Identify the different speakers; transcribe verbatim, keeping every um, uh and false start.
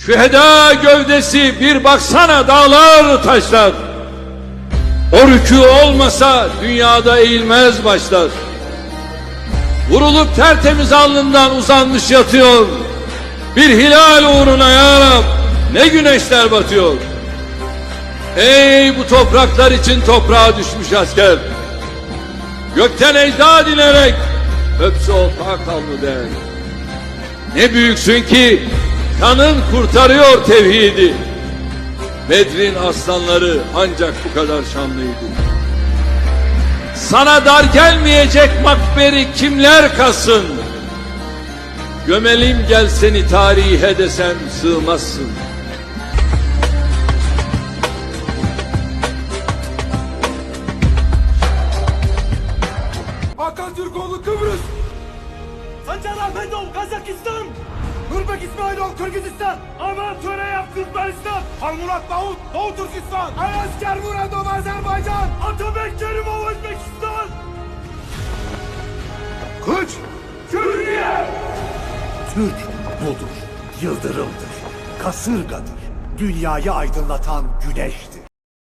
Speaker 1: Şüheda gövdesi bir baksana dağlar taşlar. O rükû olmasa dünyada eğilmez başlar. Vurulup tertemiz alnından uzanmış yatıyor. Bir hilal uğruna ya Rab ne güneşler batıyor. Ey bu topraklar için toprağa düşmüş asker. Gökten ecda dinerek öpse o pak alnı der. Ne büyüksün ki kanın kurtarıyor tevhidi. Bedrin aslanları ancak bu kadar şanlıydı. Sana dar gelmeyecek makberi kimler kalsın? Gömelim gel seni tarihe desem sığmazsın.
Speaker 2: Hakan Türkoğlu Kıbrıs.
Speaker 3: Sancar Ahmetov Kazakistan.
Speaker 2: Nurbek İsmailov Kırgızistan.
Speaker 3: Aman Töreyev Türkmenistan.
Speaker 2: Halmurat Davut Doğu Türkistan.
Speaker 3: Ayasker Muradov Azerbaycan. Atabek Kerimov Özbekistan.
Speaker 2: Kılıç.
Speaker 3: Türkiye.
Speaker 4: Türk budur, yıldırımdır, kasırgadır, dünyayı aydınlatan güneştir.